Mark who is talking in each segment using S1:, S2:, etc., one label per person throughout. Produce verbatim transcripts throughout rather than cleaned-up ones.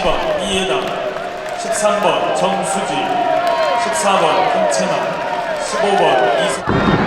S1: 번 이예담, 십삼 번 정수지, 십사 번 김채남, 십오 번 이승.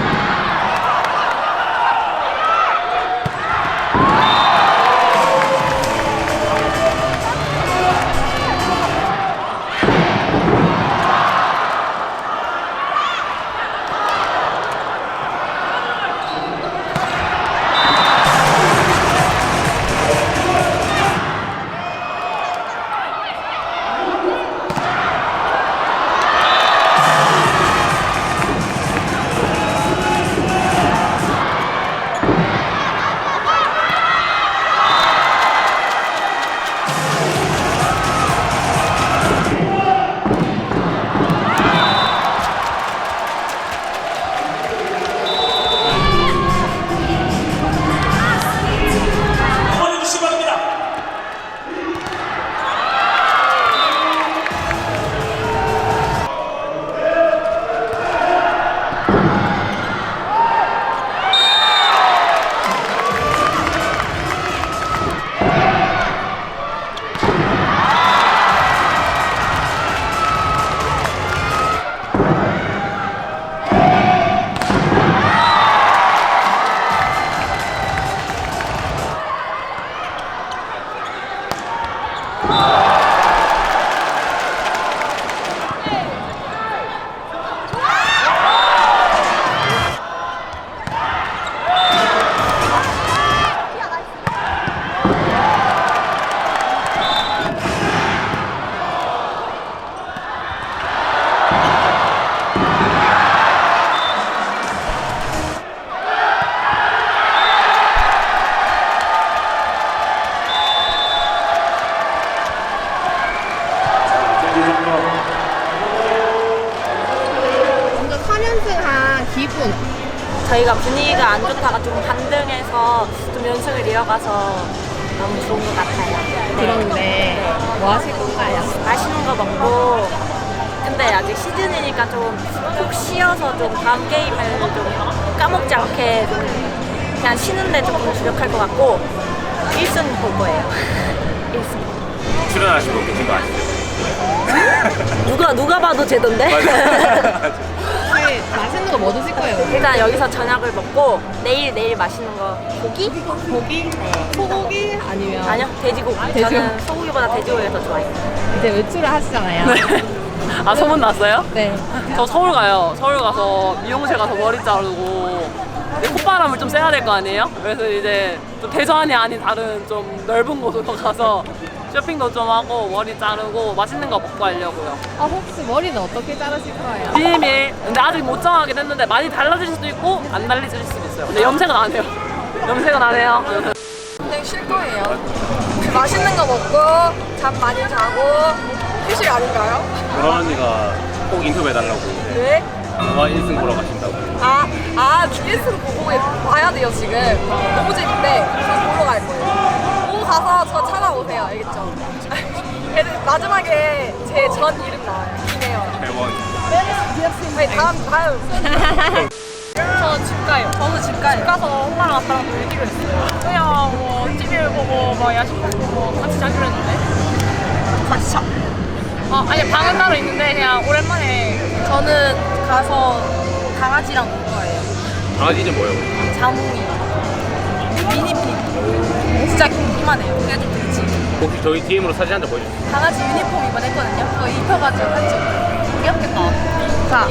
S2: 먼저 삼 연승한 기분.
S3: 저희가 분위기가 안 좋다가 좀 반등해서 좀 연승을 이어가서 너무 좋은 것 같아요.
S2: 그런데 뭐 하실 건가요?
S3: 맛있는 거 먹고, 근데 아직 시즌이니까 좀 푹 쉬어서 좀 다음 게임을 좀 까먹지 않게 좀 그냥 쉬는데 조금 주력할 것 같고 일 승 볼 거예요. 일 승.
S4: 출연하신 분 계신 거 아시죠?
S3: 누가 누가 봐도 제던데?
S2: 혹시 맛있는 거 뭐 드실 거예요?
S3: 일단 여기서 저녁을 먹고 내일 내일 맛있는 거 고기?
S2: 고기? 소고기? 아니면
S3: 아니요, 돼지고기.
S2: 돼지고기.
S3: 저는 소고기보다 돼지고기가 더 좋아해요.
S2: 이제 외출을 하시잖아요.
S5: 아, 소문 났어요?
S2: 네.
S5: 저 서울 가요. 서울 가서 미용실 가서 머리 자르고 근데 콧바람을 좀 쐬야 될 거 아니에요? 그래서 이제 좀 대전이 아닌 다른 좀 넓은 곳으로 가서 쇼핑도 좀 하고 머리 자르고 맛있는 거 먹고 하려고요.
S2: 아, 혹시 머리는 어떻게 자르실 거예요?
S5: 비밀. 근데 아직 못 정하긴 했는데 많이 달라질 수도 있고 안 달라질 수도 있어요. 근데 염색은 안 해요. 염색은 안 해요.
S6: 그냥 쉴 거예요. 맛있는 거 먹고 잠 많이 자고 휴식 아닌가요?
S4: 보라 언니가 꼭 인터뷰해달라고
S6: 네?
S4: 영화 일 승 보러 가신다고.
S6: 아, 아, 비에스를 보고 봐야 돼요, 지금. 너무 재밌대. 그래서 보러 갈 거예요. 보고 가서 저 찾아오세요, 알겠죠? 애들 마지막에 제 전 이름 나와요. 김혜연.
S4: 대원.
S6: 아니, 다음, 다음. 저 집 가요. 저도 집 가요. 집 가서 엄마랑 아빠랑 놀기로 했어요. 그냥 뭐 티비를 보고 뭐 야식 먹고 뭐 같이 자기로 했는데. 같이 자. 어, 아니 방은 따로 있는데 그냥 오랜만에 저는 가서 강아지랑 놀 거예요.
S4: 강아지 이름 뭐예요?
S6: 자몽이. 미니픽. 진짜 이만해요. 그게 좀 크지.
S4: 혹시 저희 디엠으로 사진 한 장 보여주세요.
S6: 강아지 유니폼 이번 했거든요. 그거 입혀가지고 같이. 귀엽겠다. 자.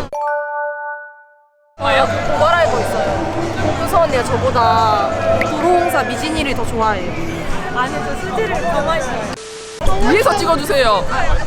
S6: 어, 뭘 알고 있어요? 홍수 언니가 저보다 도로공사 미진이를 더 좋아해요. 아니, 저 수지를 더 많이 좋아해요.
S5: 위에서 찍어주세요.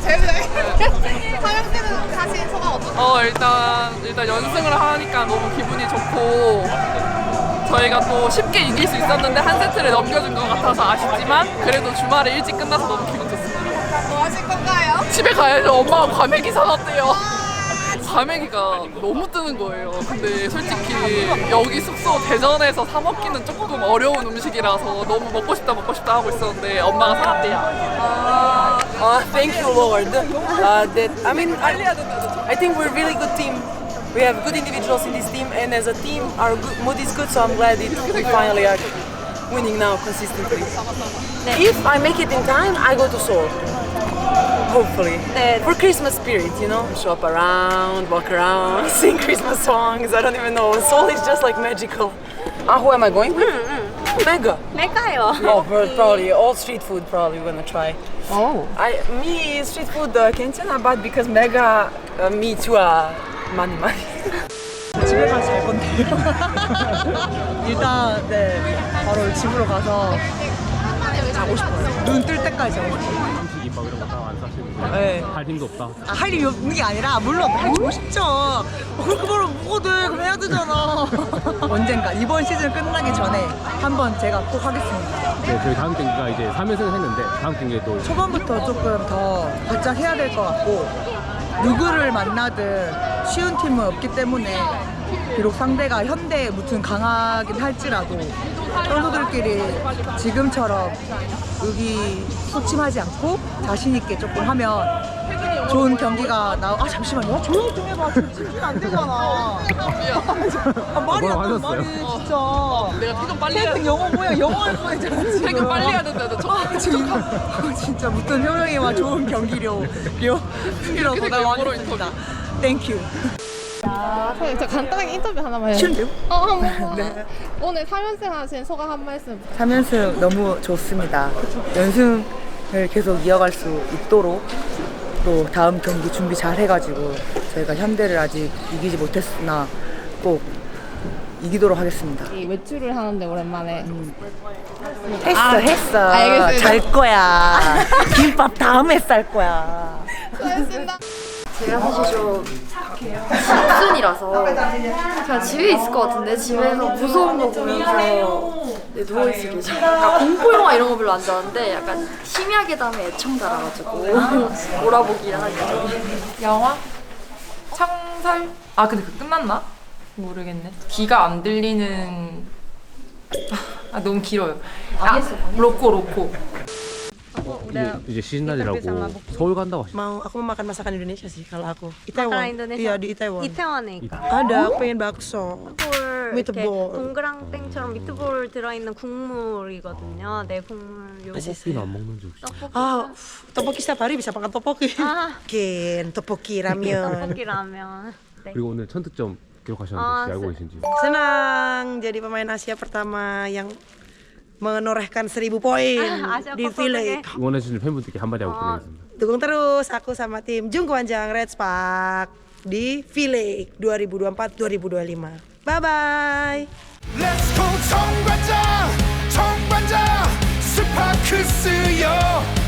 S2: 사연 때는 사실 소감 어떠세요?
S5: 어 일단 일단 연승을 하니까 너무 기분이 좋고 저희가 또 쉽게 이길 수 있었는데 한 세트를 넘겨준 것 같아서 아쉽지만 그래도 주말에 일찍 끝나서 너무 기분 좋습니다.
S2: 뭐 하실 건가요?
S5: 집에 가야죠. 엄마가 과메기 사놨대요. 과메기가 너무 뜨는 거예요. 근데 솔직히 여기 숙소 대전에서 사 먹기는 조금 어려운 음식이라서 너무 먹고 싶다 먹고 싶다 하고 있었는데 엄마가 사놨대요.
S7: Uh, thank you, Lord. Uh, that I mean, I, I think we're a really good team. We have good individuals in this team, and as a team, our good, mood is good. So I'm glad it, we finally are winning now consistently. If I make it in time, I go to Seoul. Hopefully.
S3: 네.
S7: For Christmas spirit, you know? Show up around, walk around, sing Christmas songs. I don't even know. Seoul is just like magical. Ah, who am I going with? Mega.
S3: 메가요.
S7: Oh, bro, probably all street food. Probably gonna try.
S2: 오.
S7: I me street food uh, 괜찮아, but because Mega uh, me too. Uh, 많이 많이.
S8: 집에 가서 잘 건데요. 일단 네 바로 집으로 가서 자고 싶어요. 눈 뜰 때까지 자고 싶어요.
S4: 김밥 이런 거 다 안 사시는 거.
S8: 네.
S4: 할 힘도 없다.
S8: 아, 할 일이 없는 게 아니라 물론 해주고 싶죠. 어, 그렇게 말을 먹어도 돼. 그럼 해야 되잖아. 언젠가 이번 시즌 끝나기 전에 한번 제가 꼭 하겠습니다.
S4: 네, 저희 다음 경기가 이제 삼 연승을 했는데 다음 경기에 또
S8: 초반부터 조금 더 바짝 해야 될 것 같고 누구를 만나든 쉬운 팀은 없기 때문에 비록 상대가 현대에 무튼 강하긴 할지라도 선수들끼리 지금처럼 의기소침하지 않고 자신 있게 조금 하면 좋은 경기가 나. 아 잠시만요. 조용 좀 해봐. 지금 집중 안 되잖아. 아, 말이 안 돼. 말이 진짜.
S5: 내가 퇴근 빨리 해야
S8: 태극 영어 뭐야? 영어 할 뻔했잖아. 지금.
S5: 퇴근 빨리 해야 된다는데 저
S8: 아, 지금 아, 진짜 무튼 효령이와 좋은 경기력 이라고 나 많이 했습니다. 땡큐.
S2: 아, 선생님 저 간단하게 인터뷰 하나만 해요.
S8: 싫은데요?
S2: 어, 한 번만. 네. 오늘 삼 연승 하신 소감 한 말씀.
S7: 삼 연승 너무 좋습니다. 연승을 계속 이어갈 수 있도록 또 다음 경기 준비 잘 해가지고 저희가 현대를 아직 이기지 못했으나 꼭 이기도록 하겠습니다.
S2: 이 외출을 하는데 오랜만에.
S7: 했어
S2: 아,
S7: 했어.
S2: 알겠습니다.
S7: 잘 거야. 김밥 다음에 쌀 거야.
S2: 수고하셨습니다.
S9: 제가 사실 좀 집순이라서 그냥 집에 있을 것 같은데 집에서 무서운 거 보면서 네, 누워있을 예정. 약간 공포영화 이런 거 별로 안 좋아하는데 약간 심야계 다음에 애청자라가지고 몰아보기를 할 예정.
S10: 영화? 창설? 아 근데 그 끝났나? 모르겠네. 귀가 안 들리는 아 너무 길어요. 아 로코 로코.
S4: 이제, 이제 시즌날이라고 서울 간다고 하시죠.
S8: Mau aku mau makan masakan Indonesia sih kalau aku.
S3: Makanan Indonesia.
S8: Iya di Itaewon.
S3: 이태원에
S8: Ada, aku pengen bakso.
S3: 미트볼 이렇게
S8: 미트볼.
S3: 동그랑땡처럼 미트볼 들어있는 국물이거든요. 네, 국물 요거.
S4: 떡볶이는 안 먹는지 혹시?
S8: Ah, tteokbokki setiap hari bisa makan tteokbokki.
S3: 아,
S8: Ken, tteokbokki ramen.
S3: 떡볶이 라면. 네.
S4: 그리고 오늘 천 득점 기록하셨는데
S3: 아,
S4: 혹시 알고
S3: 세-
S4: 계신지?
S8: Senang jadi pemain Asia pertama yang menorehkan seribu poin
S3: Asia
S8: di
S3: Cup
S8: V-League.
S4: 응원해주시는 팬분들께 한마디 하고 보내겠습니다.
S8: Dukung terus aku sama tim Jungkwanjang Red Spark di V-League dua ribu dua puluh empat dua ribu dua puluh lima. Bye bye.
S11: Let's go 정관장 정관장 스파크스요